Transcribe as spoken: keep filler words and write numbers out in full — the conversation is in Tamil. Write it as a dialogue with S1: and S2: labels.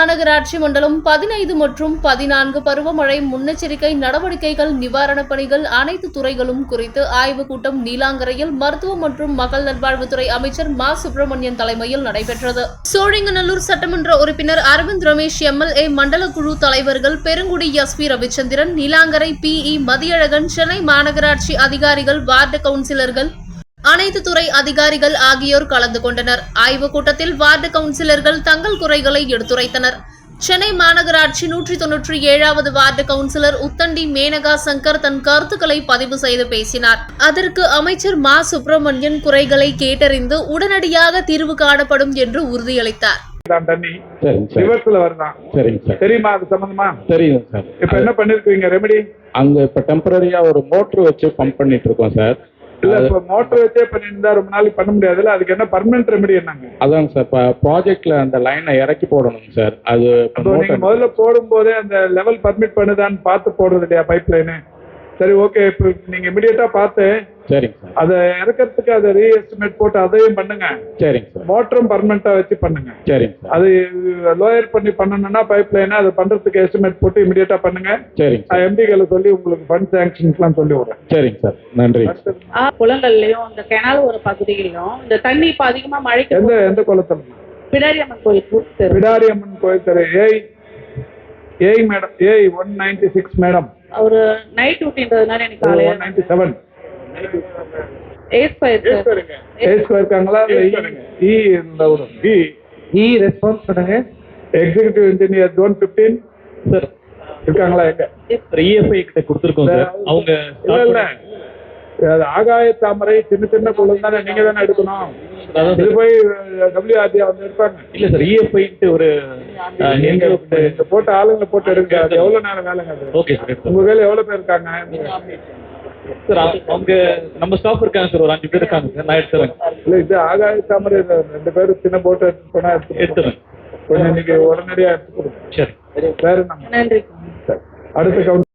S1: மாநகராட்சி மண்டலம் பதினைந்து மற்றும் பதினான்கு பருவமழை முன்னெச்சரிக்கை நடவடிக்கைகள், நிவாரணப் பணிகள், அனைத்து துறைகளும் குறித்து ஆய்வுக் கூட்டம் நீலாங்கரையில் மருத்துவ மற்றும் மக்கள் நல்வாழ்வுத்துறை அமைச்சர் மா சுப்பிரமணியன் தலைமையில் நடைபெற்றது. சோழிங்கநல்லூர் சட்டமன்ற உறுப்பினர் அரவிந்த் ரமேஷ், எம்எல்ஏ, மண்டல குழு தலைவர்கள் Perungudi S P Ravichandran, Neelankarai P E Mathiyazhagan, Chennai மாநகராட்சி அதிகாரிகள், வார்டு கவுன்சிலர்கள், அனைத்து துறை அதிகாரிகள் ஆகியோர் கலந்து கொண்டனர். ஆய்வுக் கூட்டத்தில் வார்டு கவுன்சிலர்கள் தங்கள் குறைகளை எடுத்துரைத்தனர். சென்னை மாநகராட்சி நூற்றி தொன்னூற்றி ஏழாவது வார்டு கவுன்சிலர் உத்தண்டி மேனகா சங்கர் தன் கருத்துக்களை பதிவு செய்து பேசினார். அதற்கு அமைச்சர் மா சுப்பிரமணியன் குறைகளை கேட்டறிந்து உடனடியாக தீர்வு காணப்படும் என்று உறுதியளித்தார்.
S2: அங்க இப்ப டெம்பரரியா ஒரு மோட்டர் வச்சு பம்ப் பண்ணிட்டு இருக்கோம் சார்.
S3: இல்ல இப்ப மோட்டர் வச்சே பண்ணிருந்தா ரொம்ப நாளைக்கு பண்ண முடியாதுல்ல, அதுக்கு என்ன பர்மனன்ட் ரெமெடி என்னங்க?
S2: அதாங்க சார், இப்ப ப்ராஜெக்ட்ல அந்த லைனை இறக்கி போடணும் சார். அது
S3: நீங்க முதல்ல போடும் போதே அந்த லெவல் பர்மிட் பண்ணுதான்னு பார்த்து போடுறது இல்லையா பைப் லைனு? சரி, ஓகே. இப்ப நீங்க இமிடியேட்டா பார்த்து
S2: சரிங்க சார்
S3: அதை இறக்கிறதுக்கு அதை ரீ எஸ்டிமேட் போட்டு அதையும் பண்ணுங்க.
S2: சரிங்க சார்.
S3: மோட்டரும் பர்மனண்டா வச்சு பண்ணுங்க.
S2: சரிங்க சார்.
S3: அது லோயர் பண்ணி பண்ணணும்னா பைப் லைனை அதை பண்றதுக்கு எஸ்டிமேட் போட்டு இமிடியேட்டா பண்ணுங்க.
S2: சரிங்க.
S3: எம்பிகளை சொல்லி உங்களுக்கு ஃபண்ட் சாங்ஷன்ஸ்லாம் சொல்லி விடுறேன்.
S2: சரிங்க சார், நன்றி.
S4: குளங்கள்லயும் இந்த கெனால் ஒரு பகுதியிலும் இந்த தண்ணி இப்ப அதிகமா மழைக்கு
S3: எந்த எந்த குளத்துல?
S4: பிடாரியம்மன் கோயில்.
S3: பிடாரியம்மன் கோயில் தெரு ஏய் ஏய் மேடம், ஏய் ஒன் நைன்டி சிக்ஸ் மேடம்.
S4: ஒரு நைட் டியூட்டின்றதுனால எனக்கு காலையில
S3: one ninety seven
S4: A square
S3: A square இருக்காங்களா? இ இந்த இ இ ரெஸ்பான்ஸ் பண்ணுங்க. எக்ஸிகியூட்டிவ் இன்ஜினியர் ஜோன் பதினைந்து சார் இருக்காங்களா? எங்க
S5: இஎஃப்ஐ கிட்ட கொடுத்துருக்கோம் சார். அவங்க
S3: இல்ல இல்ல அது ஆகாய தாமரை சின்ன சின்ன குளம் தானே, நீங்க தானே எடுக்கணும். இது போய் டபிள்யூஆர்டி வந்து எடுப்பாங்க.
S5: இல்ல சார், இஎஃப்ஐ ஒரு
S3: நீங்க போட்ட ஆளுங்களை போட்டு எடுங்க. அது எவ்வளவு நேரம் வேலைங்க அது?
S5: Okay sir.
S3: உங்க வேலை எவ்வளவு பேர் இருக்காங்க
S5: சார்? அவங்க நம்ம ஸ்டாஃப் இருக்காங்க சார், ஒரு அஞ்சு பேர் இருக்காங்க சார். நான் எடுத்துறேன்.
S3: இல்ல இது ஆகாய தாமரை ரெண்டு பேரும் சின்ன போட்டு எடுத்து போனா
S5: எடுத்துறேன்.
S3: கொஞ்சம் நீங்க உடனடியா எடுத்து கொடுங்க.
S5: சரி,
S3: வேற நம்ம
S4: நன்றி.
S3: அடுத்த கவுண்ட்